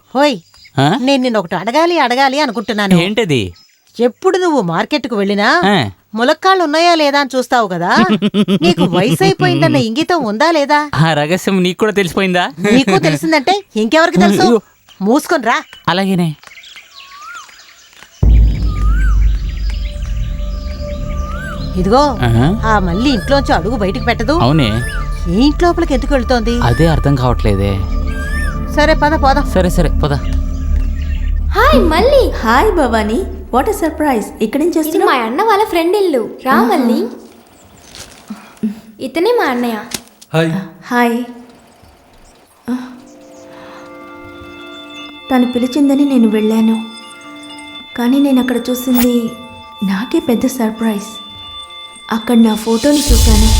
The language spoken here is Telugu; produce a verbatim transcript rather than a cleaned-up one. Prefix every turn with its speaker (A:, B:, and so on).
A: హోయ్, నేను నిన్న ఒకటి అడగాలి అడగాలి అనుకుంటున్నాను.
B: ఏంటది?
A: ఎప్పుడు నువ్వు మార్కెట్కు వెళ్ళినా
B: ఆ.
A: ములక్కాళ్ళు ఉన్నాయా లేదా అని చూస్తావు కదా. నీకు వయసు అయిపోయిందన్న ఇంగితం ఉందా లేదా?
B: ఆ రహస్యం నీకు కూడా తెలిసిపోయిందా?
A: నీకు తెలిసిందంటే ఇంకెవరికి తెలుసు? మూసుకొని రా.
B: అలాగేనే.
A: ఇదిగో,
B: ఆహా.
A: ఆ మళ్ళీ ఇంట్లోంచి అడుగు బయటికి పెట్టదు.
B: అవునే,
A: ఈ ఇంట్లోపలికి ఎందుకు వెళ్తోంది?
B: అదే అర్థం కావట్లేదే.
A: సరే పద పోదాం.
B: సరే సరే పద.
C: హాయ్ మళ్ళీ. Hi Bhavani, what a surprise. ఇక్కడ నుంచి
D: ఇది మా అన్న వాళ్ళ ఫ్రెండ్ ఇల్లు. రా మళ్ళీ. ఇతనే మా అన్నయ్య.
E: హాయ్.
C: హాయ్. తను పిలిచిందని నేను వెళ్ళాను, కానీ నేను అక్కడ చూసింది నాకే పెద్ద సర్ప్రైజ్. అక్కడ నా ఫోటోని చూశాను.